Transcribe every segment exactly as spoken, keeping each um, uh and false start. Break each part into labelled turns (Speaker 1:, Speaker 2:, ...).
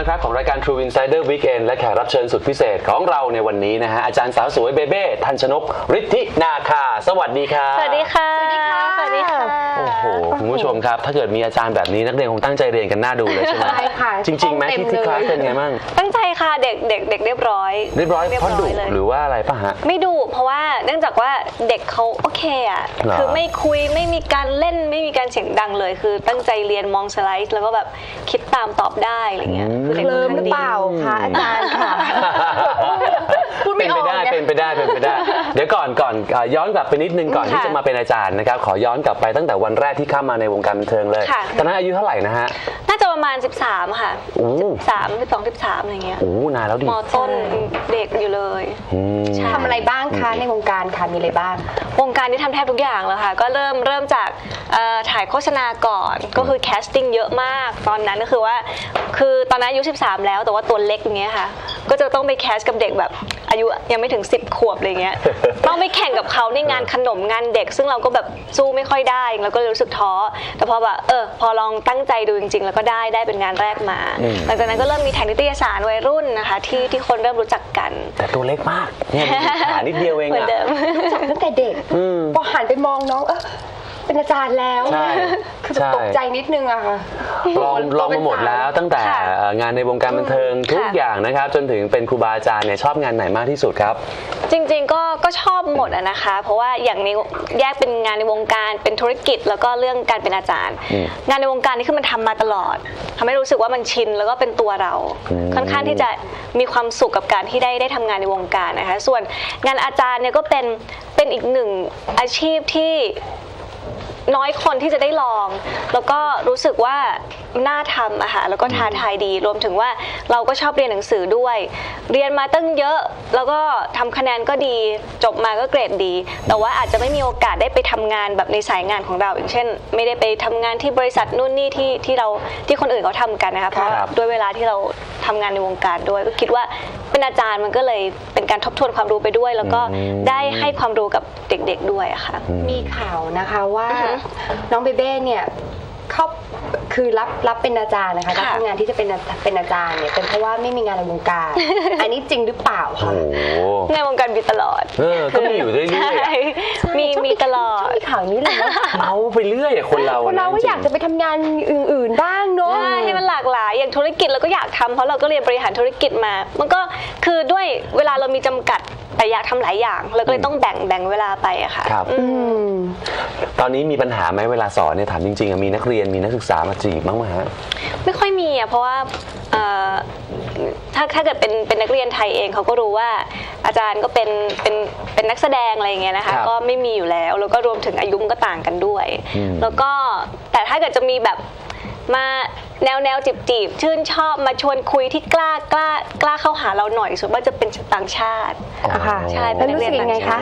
Speaker 1: นะครับของรายการ True Insider Weekend และแขกรับเชิญสุดพิเศษของเราในวันนี้นะฮะอาจารย์สาวสวยเบเบ้ทันชนกฤทธินาคาสวัสดีครับ
Speaker 2: สวัสดีค่ะสวัสดีค่ะสวัสดีค่ะ
Speaker 1: โอ้โหคุณผู้ชมครับถ้าเกิดมีอาจารย์แบบนี้นักเรียนคงตั้งใจเรียนกันน่าดูเลยใช่ไหม
Speaker 3: ใช่ค่ะ
Speaker 1: จริงๆไหมที่ที่คลาสเป็นไงบ้าง
Speaker 2: ตั้งใจค่ะเด็กเด็กเด็กเรียบร้อย
Speaker 1: เรียบร้อยเพราะดุหรือว่าอะไรป่ะฮะ
Speaker 2: ไม่ดุเพราะว่าเนื่องจากว่าเด็กเขาโอเคอ่ะคือไม่คุยไม่มีการเล่นไม่มีการเสียงดังเลยคือตั้งใจเรียนมองสไลด์แล้วก็แบบคิดตามตอบได้อะไรเงี้ย
Speaker 3: คือเด็กเลิมหรือเปล่าคะอาจารย์ค่ะ
Speaker 1: เป็นไปได้เป็นไปได้เป็นไปได้เดี๋ยวก่อนก่อนย้อนกลับไปนิดนึงก่อนที่จะมาเป็นอาจารย์นะครับขอย้อนกลับไปตั้งแต่วันแรกที่เข้ามาในวงการบันเทิงเลยตอนนั้นอายุเท่าไหร่นะฮะ
Speaker 2: น่าจะประมาณสิบสามค่ะสิบสาม สิบสอง สิบสามอะไรเงี้ย
Speaker 1: โอ้นานแล้วดิ
Speaker 2: ม.ต้นเด็กอยู่เลย
Speaker 3: ทำอะไรบ้างคะในวงการค่ะมีอะไรบ้าง
Speaker 2: วงการที่ทำแทบทุกอย่างแล้วค่ะก็เริ่มเริ่มจากถ่ายโฆษณาก่อนก็คือแคสติ้งเยอะมากตอนนั้นก็คือว่าคือตอนนั้นอายุสิบสามแล้วแต่ว่าตัวเล็กอย่างเงี้ยค่ะก็จะต้องไปแคสกับเด็กแบบอายุยังไม่ถึงสิบขวบอะไรเงี้ยต้องไปแข่งกับเขาในงานขนมงานเด็กซึ่งเราก็แบบสู้ไม่ค่อยได้แล้วก็รู้สึกท้อแต่พอแบบเออพอลองตั้งใจดูจริงๆแล้วก็ได้ได้เป็นงานแรกมาหลังจากนั้นก็เริ่มมีถ่ายนิตยสารวัยรุ่นนะคะที่ที่คนเริ่มรู้จักกัน
Speaker 1: แต่ตัวเล็กมากเนี่ยขานิดเดียวเองอะ
Speaker 3: รู้จักตั้งแต่เด็กพอหันไปมองน้องเออเป็นอาจารย์แล้วคือตกใจนิดนึงอะค่ะ
Speaker 1: ลองลองมาหมดแล้วตั้งแต่งานในวงการบันเทิงทุกอย่างนะครับจนถึงเป็นครูบาอาจารย์เนี่ยชอบงานไหนมากที่สุดครับ
Speaker 2: จริงๆก็ก็ชอบหมดอะนะคะเพราะว่าอย่างในแยกเป็นงานในวงการเป็นธุรกิจแล้วก็เรื่องการเป็นอาจารย์งานในวงการนี่คือมันทำมาตลอดทำให้รู้สึกว่ามันชินแล้วก็เป็นตัวเราค่อนข้างที่จะมีความสุขกับการที่ได้ได้ทำงานในวงการนะคะส่วนงานอาจารย์เนี่ยก็เป็นเป็นอีกหนึ่งอาชีพที่น้อยคนที่จะได้ลองแล้วก็รู้สึกว่าน่าทำอะค่ะแล้วก็ท้าทายดีรวมถึงว่าเราก็ชอบเรียนหนังสือด้วยเรียนมาตั้งเยอะแล้วก็ทำคะแนนก็ดีจบมาก็เกรดดีแต่ว่าอาจจะไม่มีโอกาสได้ไปทำงานแบบในสายงานของเราอย่างเช่นไม่ได้ไปทำงานที่บริษัทนู่นนี่ที่ที่เราที่คนอื่นเขาทำกันนะคะเพราะด้วยเวลาที่เราทำงานในวงการด้วยก็คิดว่าเป็นอาจารย์มันก็เลยเป็นการทบทวนความรู้ไปด้วยแล้วก็ได้ให้ความรู้กับเด็กๆด้วยอะค่ะ
Speaker 3: มีข่าวนะคะว่าน้องเบเบ้เนี่ยเขาคือรับรับเป็นอาจารย์นะคะรับงานที่จะเป็นเป็นอาจารย์เนี่ยเป็นเพราะว่าไม่มีงานในวงการอันนี้จริงหรือเปล่าคะ
Speaker 2: ในวงการมีตลอด
Speaker 1: เออก็มีอยู่เรื่อย
Speaker 2: ๆมีมีตลอด
Speaker 3: มีข่าวนี้เลย
Speaker 1: เอาไปเรื่อยคนเรา
Speaker 3: คนเราก็อยากจะไปทำงานอื่นๆบ้างเนาะ
Speaker 2: ให้มันหลากหลายอย่างธุรกิจเราก็อยากทำเพราะเราก็เรียนบริหารธุรกิจมามันก็คือด้วยเวลาเรามีจำกัดแต่อยากทำหลายอย่างเราก็เลยต้องแบ่งแบ่งเวลาไปอะค่ะ
Speaker 1: ครับตอนนี้มีปัญหาไหมเวลาสอนเนี่ยถามจริงๆมีนักเรียนมีนักศึกษามาจีบบ้างไหมฮะ
Speaker 2: ไม่ค่อยมีอะเพราะว่าถ้าถ้าเกิดเป็นเป็นนักเรียนไทยเองเขาก็รู้ว่าอาจารย์ก็เป็นเป็นเป็นนักแสดงอะไรอย่างเงี้ยนะคะก็ไม่มีอยู่แล้วแล้วก็รวมถึงอายุก็ต่างกันด้วยแล้วก็แต่ถ้าเกิดจะมีแบบมาแนวแนวจีบจีบชื่นชอบมาชวนคุยที่กล้ากล้ากล้าเข้าหาเราหน่อยส่วนมากจะเป็นต่างชาติ
Speaker 3: ค่ะใช่เป็นนักเรียนยังไงคะ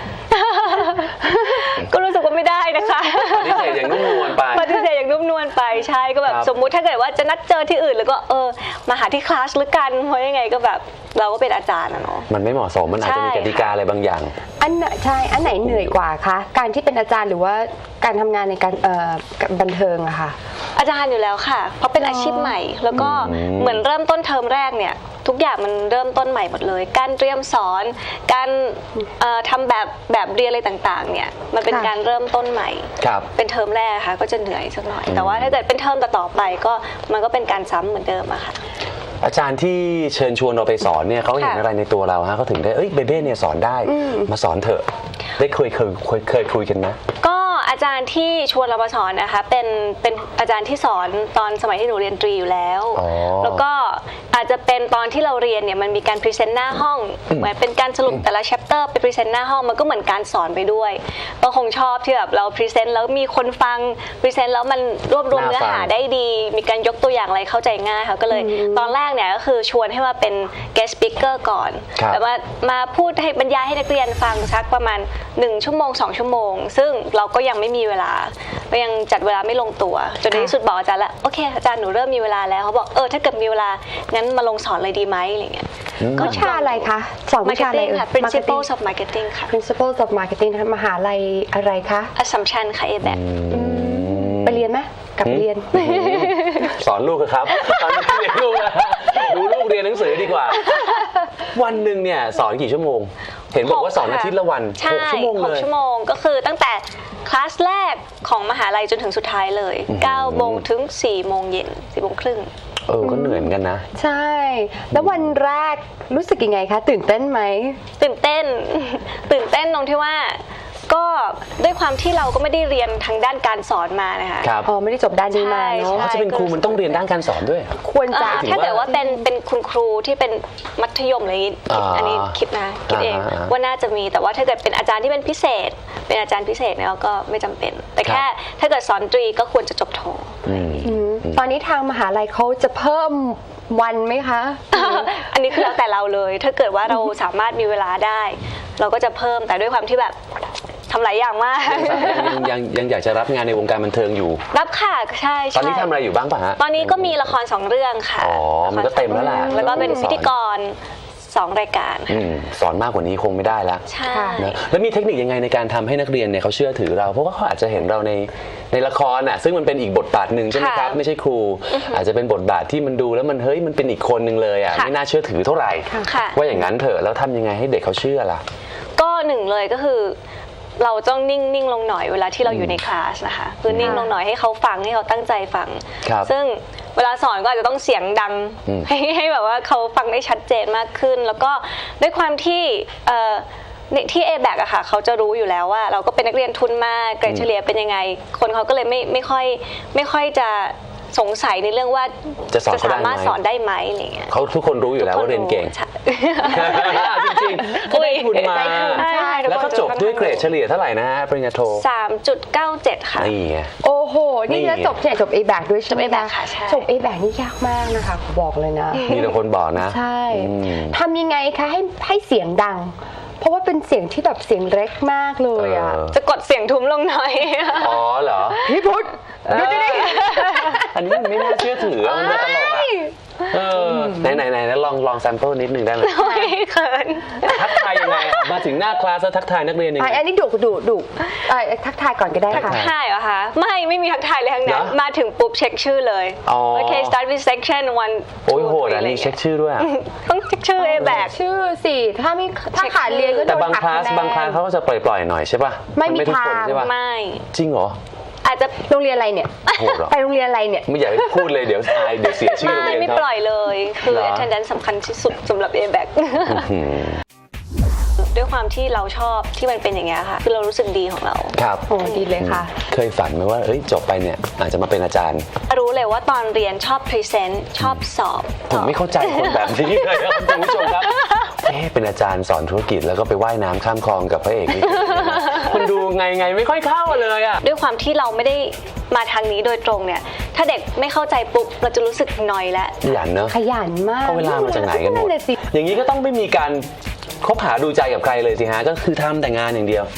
Speaker 2: ก็รู้สึกว่าไม่ได้นะคะ
Speaker 1: ปฏิเสธอย่างนุ่มนวลไป
Speaker 2: ปฏิเสธอย่างนุ่มนวลไปใช่ก็แบบสมมุติถ้าเกิดว่าจะนัดเจอที่อื่นแล้วก็เออมาหาที่คลาสหรือกันเพราะยังไงก็แบบเราก็เป็นอาจารย์นะเนาะ
Speaker 1: มันไม่เหมาะสมมันอาจจะมีกติกาอะไรบางอย่าง
Speaker 3: อันใช่อันไหนเหนื่อยกว่าคะการที่เป็นอาจารย์หรือว่าการทำงานในการเอ่อบันเทิงอะค่ะ
Speaker 2: อาจารย์อยู่แล้วค่ะเพราะเป็นอาชีพใหม่แล้วก็เหมือนเริ่มต้นเทอมแรกเนี่ยทุกอย่างมันเริ่มต้นใหม่หมดเลยการเตรียมสอนการทำแบบแบบเรียนอะไรต่างๆเนี่ยมันเป็นการเริ่มต้นใหม่เป็นเทอมแรกค่ะก็จะเหนื่อยสักหน่อยแต่ว่าถ้าเกิดเป็นเทอมต่อไปก็มันก็เป็นการซ้ำเหมือนเดิมอะค่ะ
Speaker 1: อาจารย์ที่เชิญชวนเราไปสอนเนี่ยเขาเห็นอะไรในตัวเราฮะเขาถึงได้เอ้ยเบเบ้เนี่ยสอนได้มาสอนเถอะได้เคยเคยเคยเคยคุยกันนะ
Speaker 2: ก็อาจารย์ที่ชวนเรามาสอนนะคะเป็นเป็นอาจารย์ที่สอนตอนสมัยที่หนูเรียนตรีอยู่แล้วแล้วก็อาจจะเป็นตอนที่เราเรียนเนี่ยมันมีการพรีเซนต์หน้าห้องเหมือนเป็นการสรุปแต่ละแชปเตอร์ไปพรีเซนต์หน้าห้องมันก็เหมือนการสอนไปด้วยก็คงชอบที่แบบเราพรีเซนต์แล้วมีคนฟังพรีเซนต์แล้วมันรวบรวมเนื้อหาได้ดีมีการยกตัวอย่างอะไรเข้าใจง่ายค่ะก็เลยตอนแรกเนี่ยก็คือชวนให้มาเป็น guest speaker ก่อนแต่ว่ามาพูดให้บรรยายให้นักเรียนฟังสักประมาณหนึ่งชั่วโมงสองชั่วโมงซึ่งเราก็ยังไม่มีเวลาก็ยังจัดเวลาไม่ลงตัวจนในที่สุดบอกอาจารย์แล้วโอเคอาจารย์หนูเริ่มมีเวลาแล้วเขาบอกเออถ้าเกิดมีเวลางั้นมาลงสอนเลยดีไหมอะไรเงี้ย
Speaker 3: วิชาอะไรคะสอนวิชาอะไร
Speaker 2: ค่ะ Principles of Marketing ค่ะ
Speaker 3: Principles of Marketing มหาลัยอะไรคะ
Speaker 2: Assumption ค่ะ เอ แบค
Speaker 3: ไปเรียนไหมกลับไปเรียน
Speaker 1: สอนลูกครับตอนนี้เรียนลูกนะงสือดีกว่า วันหนึ่งเนี่ยสอนกี่ชั่วโมงเห็นบอกว่าสอนอาทิตย์ละวันหกชั่วโมงเลย
Speaker 2: หกชั่วโมงก็คือตั้งแต่คลาสแรกของมหาลัยจนถึงสุดท้ายเลยเก้าโมงถึงสี่โมงเย็นสี่โมงครึ่ง
Speaker 1: เออก็เหนื่อยเหมือนกันนะ
Speaker 3: ใช่แล้ววันแรกรู้สึกยังไงคะตื่นเต้นไหม
Speaker 2: ตื่นเต้นตื่นเต้นตรงที่ว่าก็ด้วยความที่เราก็ไม่ได้เรียนทางด้านการสอนมานะคะ
Speaker 1: ครับ
Speaker 3: อ๋อไม่ได้จบด้านนี้มาเนาะ
Speaker 1: เขาจะเป็นครูมันต้องเรียนด้านการสอนด้วย
Speaker 3: ควรจะ
Speaker 2: ถ้าเกิดว่าเป็นเป็นคุณครูที่เป็นมัธยมอะไรอย่างนี้อันนี้คิดนะคิดเองว่าน่าจะมีแต่ว่าถ้าเกิดเป็นอาจารย์ที่เป็นพิเศษเป็นอาจารย์พิเศษเนี่ยก็ไม่จำเป็นแต่แค่ถ้าเกิดสอนตรีก็ควรจะจบโท
Speaker 3: ตอนนี้ทางมหาลัยเขาจะเพิ่มวันไหมคะ
Speaker 2: อันนี้คือแล้วแต่เราเลยถ้าเกิดว่าเราสามารถมีเวลาได้เราก็จะเพิ่มแต่ด้วยความที่แบบทำหลายอย่างมาก
Speaker 1: ยังยังยังอยากจะรับงานในวงการบันเทิงอยู่
Speaker 2: รับค่ะใช่
Speaker 1: ตอนนี้ทำอะไรอยู่บ้างป่ะฮะ
Speaker 2: ตอนนี้ก็มีละครสองเรื่องค่ะ
Speaker 1: อ๋อมันก็เต็มแล้วแหละ
Speaker 2: แล้วก็เป็นพิธีกรสองรายการ
Speaker 1: สอนมากกว่านี้คงไม่ได้แล้ว
Speaker 2: ใช่
Speaker 1: แล้วมีเทคนิคยังไงในการทำให้นักเรียนเนี่ยเขาเชื่อถือเราเพราะว่าเขาอาจจะเห็นเราในในละครอ่ะซึ่งมันเป็นอีกบทบาทหนึ่งใช่ไหมครับไม่ใช่ครูอาจจะเป็นบทบาทที่มันดูแล้วมันเฮ้ยมันเป็นอีกคนหนึ่งเลยอ่ะไม่น่าเชื่อถือเท่าไหร่ว่าอย่างนั้นเถอะแล้วทำยังไงให้เด็กเขาเชื่อล่ะ
Speaker 2: ก็หนึ่งเลยก็คือเราต้องนิ่งนิ่งลงหน่อยเวลาที่เราอยู่ในคลาสนะคะคือนิ่งลงหน่อยให้เขาฟังให้เขาตั้งใจฟังซึ่งเวลาสอนก็อาจจะต้องเสียงดังให้ให้แบบว่าเขาฟังได้ชัดเจนมากขึ้นแล้วก็ด้วยความที่ที่ เอ แบค อะค่ะเขาจะรู้อยู่แล้วว่าเราก็เป็นนักเรียนทุนมากเกรดเฉลี่ยเป็นยังไงคนเขาก็เลยไม่ไม่ค่อยไม่ค่อยจะสงสัยในเรื่องว่า
Speaker 1: จะ
Speaker 2: สามารถสอนได้ไหมอะไรเงี้ย
Speaker 1: เขาทุกคนรู้อยู่แล้วว่าเรียนเก่งจริงๆก็ได้ทุนมาแล้วก็จบด้วยเกรดเฉลี่ยเท่าไหร่นะฮะปริญญาโท
Speaker 2: สามจุดเก้าเจ็ด ค่ะ
Speaker 1: นี่ไง
Speaker 3: โอ้โหนี่จะจบเนี่ยจบ เอ แบค ด้วยใช่ไหมคะจบ เอ แบค นี่ยากมากนะคะบอกเลยนะ
Speaker 1: มีแต่คนบอกนะ
Speaker 3: ใช่ทำยังไงคะให้ให้เสียงดังเพราะว่าเป็นเสียงที่แบบเสียงเล็กมากเลยอ่ะ
Speaker 2: จะกดเสียงทุ้มลงหน่อย
Speaker 1: อ๋อเหรอ
Speaker 3: พี่พุทธดูดิ
Speaker 1: อันนี้มันไม่น่าเชื่อถือมันมาตลกอ่ะเออไหนไหนไหนแล้วลองลองแซมเปิลนิดนึงได้ไหม
Speaker 2: ไม่เขิน
Speaker 1: ทักทายยังไงมาถึงหน้าคลาสแล้วทักทายนักเรียนยังไง
Speaker 3: อันนี้ดุดุดุทักทายก่อนก็ได้ค่ะ
Speaker 2: ทักทายเหรอคะไม่ไม่มีทักทายเลยทั้งนั้นมาถึงปุ๊บเช็คชื่อเลยโอเค start with section one
Speaker 1: โอ้ยโหดอันนี้เช็คชื่อด้วย
Speaker 2: ต้องเช็คชื่อ เอ แบค
Speaker 3: ชื่อสิถ้าไม่ถ้าขาดเรียนก็โดนหักคะแนน
Speaker 1: แต่บางคลาสบางคลาสเขาก็จะปล่อยๆหน่อยใช่ป่ะ
Speaker 3: ไม่มีทาง
Speaker 2: ไม่
Speaker 1: จริงเหรอ
Speaker 2: อาจจะ
Speaker 3: โรงเรียนอะไรเนี่ยไปโรงเรียนอะไรเนี่ย
Speaker 1: ไม่อยากให้พูดเลยเดี๋ยวอายเดี๋ยวเสียชื่อโรงเรียน
Speaker 2: ไม่ปล่อยเลยคือ attendance สำคัญที่สุดสำหรับ เอ แบค ด้วยความที่เราชอบที่มันเป็นอย่างเงี้ยค่ะคือเรารู้สึกดีของเรา
Speaker 1: ครับ
Speaker 3: โอ้ดีเลยค่ะ
Speaker 1: เคยฝันไหมว่าเอ้ยจบไปเนี่ยอาจจะมาเป็นอาจารย์
Speaker 2: รู้เลยว่าตอนเรียนชอบพรีเซนต์ชอบสอบ
Speaker 1: ผมไม่เข้าใจคนแบบนี้เลยครับคุณผู้ชมครับเอ๊ะเป็นอาจารย์สอนธุรกิจแล้วก็ไปว่ายน้ำข้ามคลองกับพระเอกนี่คุณดูไงไงไม่ค่อยเข้าเลยอ่ะ
Speaker 2: ด้วยความที่เราไม่ได้มาทางนี้โดยตรงเนี่ยถ้าเด็กไม่เข้าใจปุ๊บเราจะรู้สึกนอยแล้ว
Speaker 1: ขยันเนอะ
Speaker 3: ขยันมาก
Speaker 1: เอาเวลามาจากไหนกันหมดอย่างนี้ก็ต้องไม่มีการคบหาดูใจกับใครเลยสิฮะก็คือทำแต่งานอย่างเดียว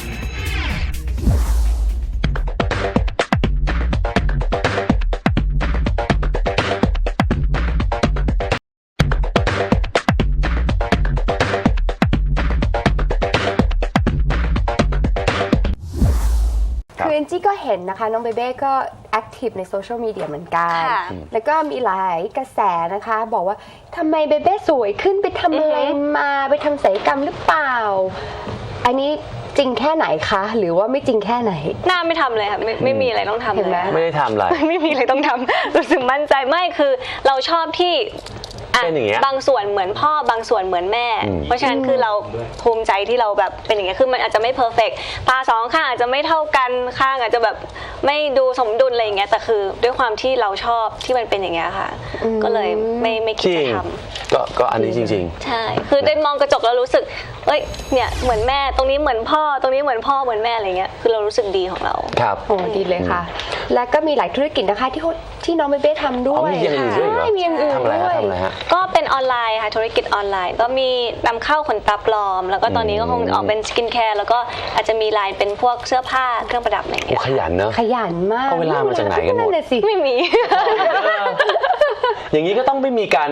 Speaker 3: คือเอ็นจี้ก็เห็นนะคะน้องเบเบ้ก็แอคทีฟในโซเชียลมีเดียเหมือนกันแล้วก็มีหลายกระแสนะคะบอกว่าทำไมเบเบ้สวยขึ้นไปทำอะไรมาไปทำศัลยกรรมหรือเปล่าอันนี้จริงแค่ไหนคะหรือว่าไม่จริงแค่ไหน
Speaker 2: หน้าไม่ทำเลยค่ะไม่ไม่มีอะไรต้องทำเลย
Speaker 1: ไม่ได้ทำอะไร
Speaker 2: ไม่มีอะไรต้องทำรู้สึกมั่นใจไม่คือเราชอบที่บางส่วนเหมือนพ่อบางส่วนเหมือนแม่เพราะฉะนั้นคือเราภูมิใจที่เราแบบเป็นอย่างเงี้ยคือมันอาจจะไม่เพอร์เฟกต์ตาสองข้างอาจจะไม่เท่ากันข้างอาจจะแบบไม่ดูสมดุลอะไรอย่างเงี้ยแต่คือด้วยความที่เราชอบที่มันเป็นอย่างเงี้ยค่ะก็เลยไม่ไม่คิดจะทำ
Speaker 1: ก็ก็อันนี้จริง
Speaker 2: ๆใช่คือได้มองกระจกแล้วรู้สึกเอ้ยเนี่ยเหมือนแม่ตรงนี้เหมือนพ่อตรงนี้เหมือนพ่อเหมือนแม่อะไรเงี้ยคือเรารู้สึกดีของเรา
Speaker 1: ครับ
Speaker 3: โอ้ดีเลยค่ะและก็มีหลายธุรกิจนะคะที่ที่น้องเบเบ้ทำด้วย
Speaker 1: มีอย่างอื่นด้วยเหรอ
Speaker 3: มีอย่างอื่นด้วย
Speaker 2: ก็เป็นออนไลน์ค่ะธุรกิจออนไลน์ก็มีนำเข้าขนตาปลอมแล้วก็ตอนนี้ก็คงออกเป็นสกินแคร์แล้วก็อาจจะมีไลน์เป็นพวกเสื้อผ้าเครื่องประดับอะไรอย่างเงี้ย
Speaker 1: ขยันเนอะ
Speaker 3: ขยันมาก
Speaker 1: เอาเวลามาจากไหนกันหมด
Speaker 2: ไม่มี
Speaker 1: อย่างนี้ก็ต้องไม่มีการ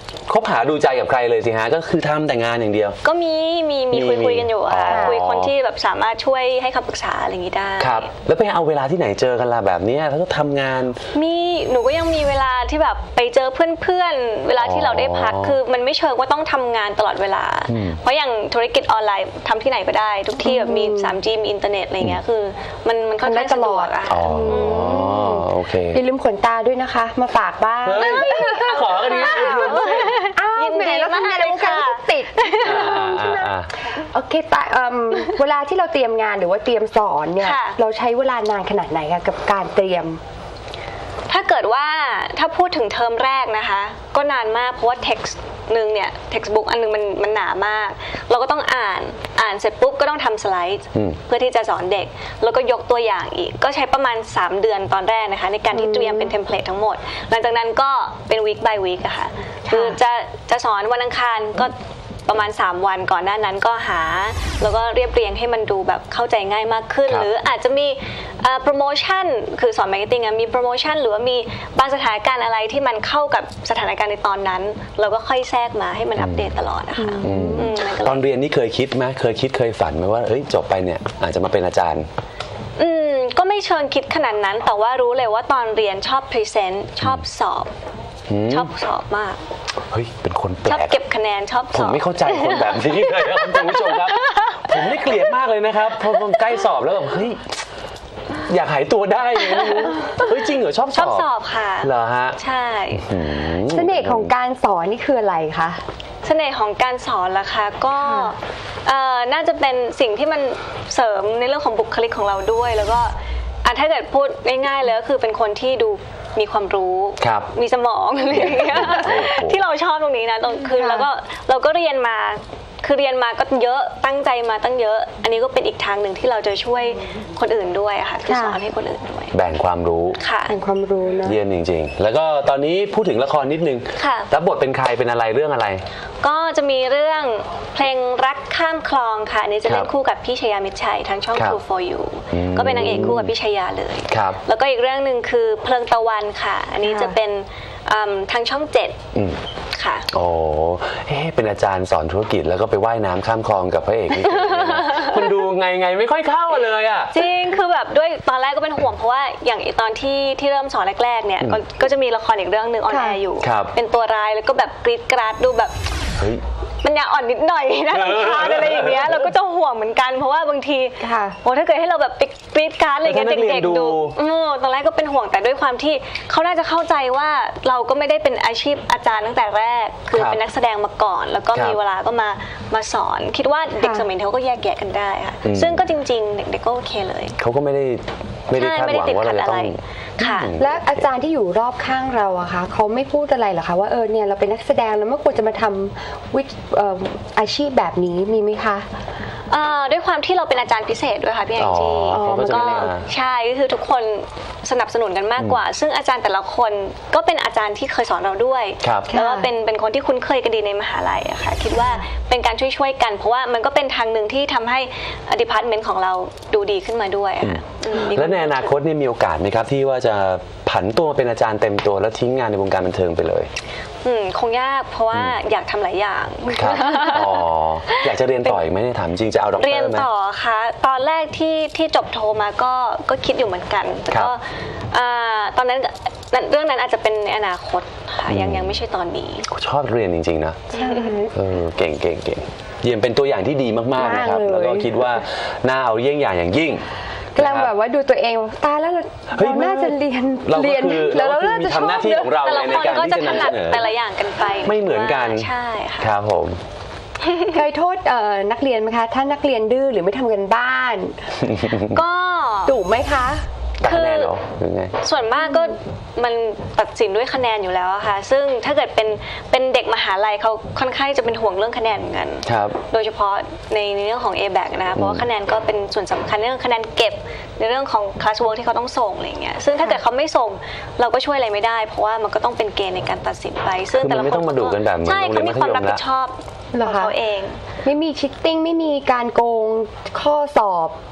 Speaker 1: คบหาดูใจกับใครเลยสิฮะก็คือทำแต่งานอย่างเดียว
Speaker 2: ก็มีมีมีคุย
Speaker 1: มี
Speaker 2: คุยกันอยู่อะค่ะ
Speaker 1: อ๋อ
Speaker 2: คุยคนที่แบบสามารถช่วยให้คำปรึกษาอะไรอย่างนี้ได้
Speaker 1: ครับแล้วไปเอาเวลาที่ไหนเจอกันล่ะแบบเนี้ยแล้วก็ทำงาน
Speaker 2: มีหนูก็ยังมีเวลาที่แบบไปเจอเพื่อนๆเวลาที่เราได้พัก
Speaker 1: อ๋อ
Speaker 2: คือมันไม่เชิงว่าต้องทำงานตลอดเวลา เพราะอย่างธุรกิจออนไลน์ทำที่ไหนก็ได้ ทุกที่แบบมี ทรีจี มีอินเทอร์เน็ตอะไรเงี้ยคือมันมันค่อนข้างสะดวกอะ
Speaker 1: อ๋อโอเค
Speaker 3: อย่าลืมขนตาด้วยนะคะ มาฝากบ้าง
Speaker 1: เฮ้ยขอกันดีนะ
Speaker 3: อ้าว
Speaker 2: ยินดี
Speaker 3: แหมแล้วทำงานในวงการ
Speaker 2: มากเลยค่ะ
Speaker 3: ก็ติด
Speaker 1: อ่าอ่าอ่า
Speaker 3: โอเคแต่เอิ่มเวลาที่เราเตรียมงานหรือว่าเตรียมสอนเนี่ย
Speaker 2: ค่ะ
Speaker 3: เราใช้เวลานานขนาดไหนคะกับการเตรียม
Speaker 2: ถ้าเกิดว่าถ้าพูดถึงเทอมแรกนะคะ ก็นานมากเพราะว่า text หนึ่งเนี่ย textbook อันนึงมันมันหนามาก เราก็ต้องอ่านอ่านเสร็จปุ๊บก็ต้องทำสไลด์เพื่อที่จะสอนเด็ก แล้วก็ยกตัวอย่างอีก ก็ใช้ประมาณสามเดือนตอนแรกนะคะในการที่เตรียมเป็นเทมเพลตทั้งหมด หลังจากนั้นก็เป็น week by week อะค่ะคือจะจะสอนวันอังคารก็ประมาณสามวันก่อนหน้านั้นก็หาแล้วก็เรียบเรียงให้มันดูแบบเข้าใจง่ายมากขึ้น
Speaker 1: ครับ
Speaker 2: หรืออาจจะมีโปรโมชั่นคือสอนมาร์เก็ตติ้งมีโปรโมชั่นหรือว่ามีบางสถานการณ์อะไรที่มันเข้ากับสถานการณ์ในตอนนั้น เราก็ค่อยแทรกมาให้มันอัปเดตตลอดนะคะอืมมันก็เลย
Speaker 1: ตอนเรียนนี่เคยคิดไหมเคยคิดเคยฝันไหมว่าเอ้ยจบไปเนี่ยอาจจะมาเป็นอาจารย์
Speaker 2: อืมก็ไม่เชิงคิดขนาดนั้น แต่ว่ารู้เลยว่าตอนเรียนชอบพรีเซนต์ชอบสอบ ชอบสอบมาก
Speaker 1: เฮ้ยเป็นคนแปล
Speaker 2: ชอบ
Speaker 1: ก
Speaker 2: เก็บคะแนนชอบ
Speaker 1: ผ
Speaker 2: ส
Speaker 1: ม
Speaker 2: อบ
Speaker 1: ไม่เข้าใจคนแบบนี้เลยครับคุณผู้ชมครับ ผมนี่เกลียดมากเลยนะครับพอผมใกล้สอบแล้วแบบเฮ้ยอยากหายตัวได้เลยไม่รู้เฮ้ยจริงเหรอชอบส
Speaker 2: ช
Speaker 1: อ
Speaker 2: อบบ สอบค่ะ
Speaker 1: เหรอฮะ
Speaker 2: ใช่
Speaker 1: อืม
Speaker 3: เสน่ห์ของการสอนนี่คืออะไรคะ
Speaker 2: เสน่ห์ของการสอนล่ะคะก็เอ่อน่าจะเป็นสิ่งที่มันเสริมในเรื่องของบุคลิกของเราด้วย แล้วก็อ่ะถ้าเกิดพูดง่ายๆเลยก็คือเป็นคนที่ดูมีความรู้
Speaker 1: ครับ
Speaker 2: มีสมองอะไรอย่างเงี้ย
Speaker 1: โอ้โห
Speaker 2: ที่เราชอบตรงนี้นะตรงคือ
Speaker 3: ค่ะ
Speaker 2: แล้วก็เราก็เรียนมาคือเรียนมาก็เยอะตั้งใจมาตั้งเยอะ อันนี้ก็เป็นอีกทางหนึ่งที่เราจะช่วยคนอื่นด้วยอะค่ะคือสอนให้คนอื่นด้วย
Speaker 1: แบ่งความรู้
Speaker 2: ค่ะ
Speaker 3: แห่งความรู้เนอะ
Speaker 1: เยี่ยมจริงๆ แล้วก็ตอนนี้พูดถึงละครนิดนึง
Speaker 2: ค่ะ
Speaker 1: รับบทเป็นใครเป็นอะไรเรื่องอะไร
Speaker 2: ก็จะมีเรื่องเพลงรักข้ามคลองค่ะอันนี้จะเล่
Speaker 1: ครั
Speaker 2: น
Speaker 1: บ
Speaker 2: คู่กับพี่ชยามิตรชัยทางช่อง
Speaker 1: ครับ
Speaker 2: True for You
Speaker 1: อืม
Speaker 2: ก็เป็นนางเอกคู่กับพี่ชยาเลย
Speaker 1: ครับ
Speaker 2: แล้วก็อีกเรื่องหนึ่งคือเพลิงตะวันค่ะ อันนี้
Speaker 3: ค่ะ
Speaker 2: จะเป็นอืมทางช่องเจ็ด
Speaker 1: อืม
Speaker 2: ค่ะ
Speaker 1: โอ้เอ๊ะเป็นอาจารย์สอนธุรกิจแล้วก็ไปว่ายน้ำข้ามคลองกับพระเอกนี่มันดูไงไงไม่ค่อยเข้าเลยอ่ะ
Speaker 2: จริงคือแบบด้วยตอนแรกก็เป็นห่วงเพราะว่าอย่างตอนที่ที่เริ่มสอนแรกๆเนี่ยก็ก็จะมีละครอีกเรื่องหนึ่งออนแอร์อยู่
Speaker 1: ครับ
Speaker 2: เป็นตัวร้ายแล้วก็แบบกรีดกราดดูแบบ
Speaker 1: เฮ้ย
Speaker 2: มันยาอ่อนนิดหน่อยนะรำคาญอะไรอย่างเงี้ยเราก็จะห่วงเหมือนกันเพราะว่าบางที
Speaker 3: ค่ะ
Speaker 2: โอ้ถ้าเกิดให้เราแบบไปกรีดกราดอะไรเงี้ย
Speaker 1: แล้วถ้านักเรียน
Speaker 2: เด็กๆ
Speaker 1: ดู
Speaker 2: ดูอืมตอนแรกก็เป็นห่วงแต่ด้วยความที่เขาน่าจะเข้าใจว่าเราก็ไม่ได้เป็นอาชีพอาจารย์ตั้งแต่แรก คือ
Speaker 1: ครับ
Speaker 2: เป็นนักแสดงมาก่อน แล้วก็
Speaker 1: ครับ
Speaker 2: มีเวลาก็มามาสอน คิดว่าเด็ก
Speaker 3: ค่ะ
Speaker 2: สมัยนี้เขาก็แยกแยะกันได้ค่ะ
Speaker 1: อืม
Speaker 2: ซึ่งก็จริงๆ เด็กๆก็โอเคเลย
Speaker 1: เขาก็ไม่ได้ไม่ได้
Speaker 2: ใช่
Speaker 1: คาด
Speaker 2: ไม่
Speaker 1: ห
Speaker 2: ได้
Speaker 1: วัง
Speaker 2: ติด
Speaker 1: ว่า
Speaker 2: ขั
Speaker 1: เรา
Speaker 2: ด
Speaker 1: จะ
Speaker 2: อะ
Speaker 1: ต้
Speaker 2: ไร
Speaker 1: อง
Speaker 2: ค่ะ
Speaker 3: และอาจารย์ที่อยู่รอบข้างเราอะคะเขาไม่พูดอะไรเหรอคะว่าเออเนี่ยเราเป็นนักแสดงแล้วไม่ควรจะมาทำวิเอ่ออาชีพแบบนี้มีไหมคะ
Speaker 2: เอ่อด้วยความที่เราเป็นอาจารย์พิเศษด้วยค่ะพี่แองจี้
Speaker 1: อ๋อเขาก็จะ
Speaker 2: ก็
Speaker 1: ไม่มา
Speaker 2: ใช่ก็คือทุกคนสนับสนุนกันมากกว่า ซึ่งอาจารย์แต่ละคนก็เป็นอาจารย์ที่เคยสอนเราด้วย
Speaker 1: ครับ
Speaker 2: แล้วก็เป็นเป็นคนที่คุ้นเคยกันดีในมหาลัยอะค่ะคิดว่าเป็นการช่วยช่วยๆกัน เพราะว่ามันก็เป็นทางหนึ่งที่ทำให้ดีพาร์ตเมนต์ของเราดูดีขึ้นมาด้วยอะค่ะอืมมี
Speaker 1: แล้วในอนาคตเนี่ยมีโอกาสไหมครับที่ว่าจะผันตัวมาเป็นอาจารย์เต็มตัวแล้วทิ้งงานในวงการบันเทิงไปเลย
Speaker 2: อืมคงยากเพราะว่าอยากทำหลายอย่าง
Speaker 1: ครับอ๋ออยากจะเรียนต่ออีกไหมเนี่ยถามจริงจะเอาด็อกเต
Speaker 2: เรีย
Speaker 1: อน ร์ไหม
Speaker 2: ต่อค่ะตอนแรกที่ที่จบโทมาก็ก็คิดอยู่เหมือนกันแต่
Speaker 1: ครับ
Speaker 2: ก็อ่าตอนนั้นเรื่องนั้นอาจจะเป็นในอนาคตค่ะยังยังไม่ใช่ตอนนี้
Speaker 1: ชอบเรียนจริงๆนะเออเก่งเก่งเก่งเยี่ยมเป็นตัวอย่างที่ดีมากๆนะครับ
Speaker 3: มากเลย
Speaker 1: แล้วก็คิดว่าน่าเอาเยี่ยงอย่างอย่างยิ่ง
Speaker 3: กำลังแบบว่าดูตัวเองตายแล้วเรา
Speaker 1: เฮ้ย
Speaker 3: เราน่าจะเรียน
Speaker 1: เราก็
Speaker 3: เรียน
Speaker 1: คือ
Speaker 3: แล้ว
Speaker 1: เรา
Speaker 3: เรา
Speaker 1: ก็คือ
Speaker 3: น่า
Speaker 1: มี
Speaker 3: จะชอบ
Speaker 1: ทำหน้าที่ของเรา
Speaker 2: แต่ละ
Speaker 1: ใน
Speaker 2: คน
Speaker 1: การ
Speaker 2: ก็
Speaker 1: ที่
Speaker 2: จะ
Speaker 1: จะ
Speaker 2: ถ
Speaker 1: นำ
Speaker 2: นั
Speaker 1: เส
Speaker 2: ด
Speaker 1: นอ
Speaker 2: แต่ละอย่างกันไป
Speaker 1: ไม่เหมือนกัน
Speaker 2: ใช่ค่ะ
Speaker 1: ครับผม
Speaker 3: เคยโทษเอ่อนักเรียนไหมคะ ถ้านักเรียนดื้อหรือไม่ทำกันบ้าน
Speaker 2: ก็
Speaker 3: ดุไหมคะ
Speaker 1: ตัดคะแนนเหรอหรือไง
Speaker 2: ส่วนมากก็มันตัดสินด้วยคะแนนอยู่แล้วอะค่ะ ซึ่งถ้าเกิดเป็นเป็นเด็กมหาลัยเขาค่อนข้างจะเป็นห่วงเรื่องคะแนนเหมือนกัน
Speaker 1: ครับ
Speaker 2: โดยเฉพาะในในเรื่องของ เอ แบค นะคะเพราะว่าคะแนนก็เป็นส่วนสำคัญในเรื่องคะแนนเก็บในเรื่องของ class work ที่เขาต้องส่งอะไรอย่างเงี้ยซึ่งถ้าเกิดเขาไม่ส่งเราก็ช่วยอะไรไม่ได้ เพราะว่ามันก็ต้องเป็นเกณฑ์ในการตัดสินไป ซึ่ง
Speaker 1: คือมัน
Speaker 2: แต่ละ
Speaker 1: ไม่
Speaker 2: คน
Speaker 1: ต้องมาดุกันแบบเหมือน
Speaker 2: ใช่
Speaker 1: โรงเรี
Speaker 2: เขา
Speaker 1: ยนมัธยม
Speaker 2: มีความรับผิดชอบ
Speaker 3: เหร
Speaker 2: ข
Speaker 3: อ
Speaker 2: อง
Speaker 3: คะ
Speaker 2: เขาเอง
Speaker 3: ไม่มีชิตติ้งไม่มีการโกงข้อสอบ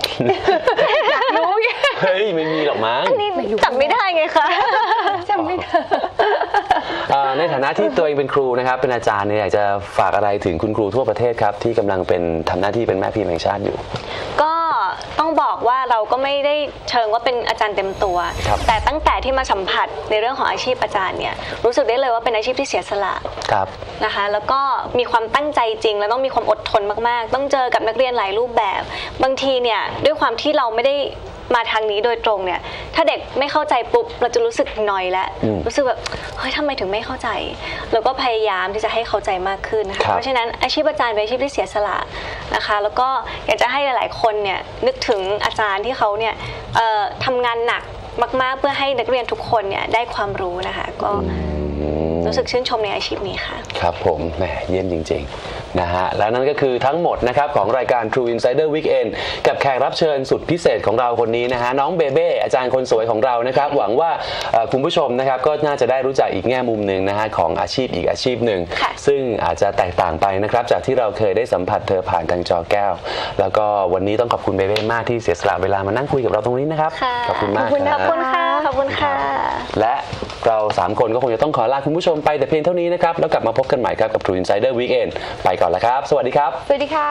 Speaker 3: อยากรู้ไง
Speaker 1: เฮ้ยไม่มีหรอกมั้ง
Speaker 2: นี่จำไม่ได้ไงคะ
Speaker 3: จำไม่ได้
Speaker 1: อ่าในฐานะที่ตัวเองเป็นครูนะครับเป็นอาจารย์เนี่ยอยากจะฝากอะไรถึงคุณครูทั่วประเทศครับที่กำลังเป็นทำหน้าที่เป็นแม่พิมพ์แห่งชาติอยู่
Speaker 2: ก็ต้องบอกว่าเราก็ไม่ได้เชิงว่าเป็นอาจารย์เต็มตัว แต่ตั้งแต่ที่มาสัมผัสในเรื่องของอาชีพอาจารย์เนี่ยรู้สึกได้เลยว่าเป็นอาชีพที่เสียสละ
Speaker 1: ครับ
Speaker 2: นะคะแล้วก็มีความตั้งใจจริงแล้วต้องมีความอดทนมากๆต้องเจอกับนักเรียนหลายรูปแบบบางทีเนี่ยด้วยความที่เราไม่ได้มาทางนี้โดยตรงเนี่ยถ้าเด็กไม่เข้าใจปุ๊บเราจะรู้สึกนอยแล้วรู้สึกแบบเฮ้ยทำไมถึงไม่เข้าใจเราก็พยายามที่จะให้เข้าใจมากขึ้นนะคะเพราะฉะนั้นอาชีพอาจารย์เป็นอาชีพที่เสียสละนะคะแล้วก็อยากจะให้หลายๆคนเนี่ยนึกถึงอาจารย์ที่เขาเนี่ยเอ่อทำงานหนักมากๆเพื่อให้นักเรียนทุกคนเนี่ยได้ความรู้นะคะก็รู้สึกชื่นชมในอาชีพนี้ค่ะ
Speaker 1: ครับผมแหมเยี่ยมจริงๆนะฮะแล้วนั่นก็คือทั้งหมดนะครับของรายการ True Insider Weekend กับแขกรับเชิญสุดพิเศษของเราคนนี้นะฮะน้องเบเบ้อาจารย์คนสวยของเรานะครับหวังว่าคุณผู้ชมนะครับก็น่าจะได้รู้จักอีกแง่มุมหนึ่งนะฮะของอาชีพอีกอาชีพหนึ่งซึ่งอาจจะแตกต่างไปนะครับจากที่เราเคยได้สัมผัสเธอผ่านทางจอแก้วแล้วก็วันนี้ต้องขอบคุณเบเบ้มากที่เสียสละเวลามานั่งคุยกับเราตรงนี้นะครับขอบคุณมาก
Speaker 2: ขอบคุณค่ะขอบคุณค่ะ
Speaker 1: และเราสามคนก็คงจะต้องขอลาคุณผู้ชมไปแต่เพียงเท่านี้นะครับแล้วกลับมาพบกันใหม่ครับกับ True Insider Weekend ไปก่อนแล้วครับสวัสดีครับ
Speaker 3: สวัสดีค่ะ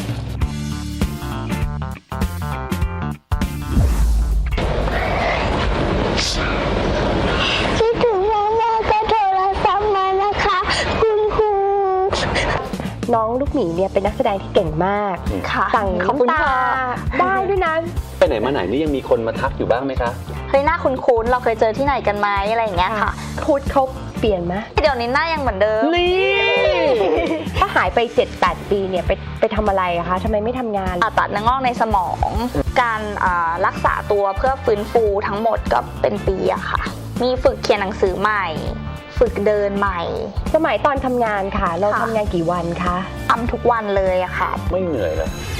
Speaker 4: คิดถึงแม่แม่ก็โทรศัพท์มานะคะคุณครู
Speaker 3: น้องลูกหมีเนี่ยเป็นนักแสดงที่เก่งมาก
Speaker 4: ค่ะ
Speaker 3: สั่งน้ำตาได้ด้วยนะ
Speaker 1: ไปไหนมาไหนนี่ยังมีคนมาทักอยู่บ้างไหมคะ
Speaker 4: เฮ้ยหน้าคุ้นๆเราเคยเจอที่ไหนกันไหมอะไรอย่างเงี้ยค่ะ
Speaker 3: พูดเขาเปลี่ยนไหม
Speaker 4: เดี๋ยวนี้หน้ายังเหมือนเดิม
Speaker 3: นี่ถ้าหายไป เจ็ดแปด ปีเนี่ยไปไปทำอะไรอะคะทำไมไม่ทำงาน
Speaker 4: ผ่าตัดเนื้องอกในสมองการรักษาตัวเพื่อฟื้นฟูทั้งหมดก็เป็นปีอะค่ะมีฝึกเขียนหนังสือใหม่ฝึกเดินใหม่
Speaker 3: สมัยตอนทำงานค่ะเราทำงานกี่วันคะ
Speaker 4: ทำทุกวันเลยอะค่ะ
Speaker 1: ไม่เหนื่อยเลย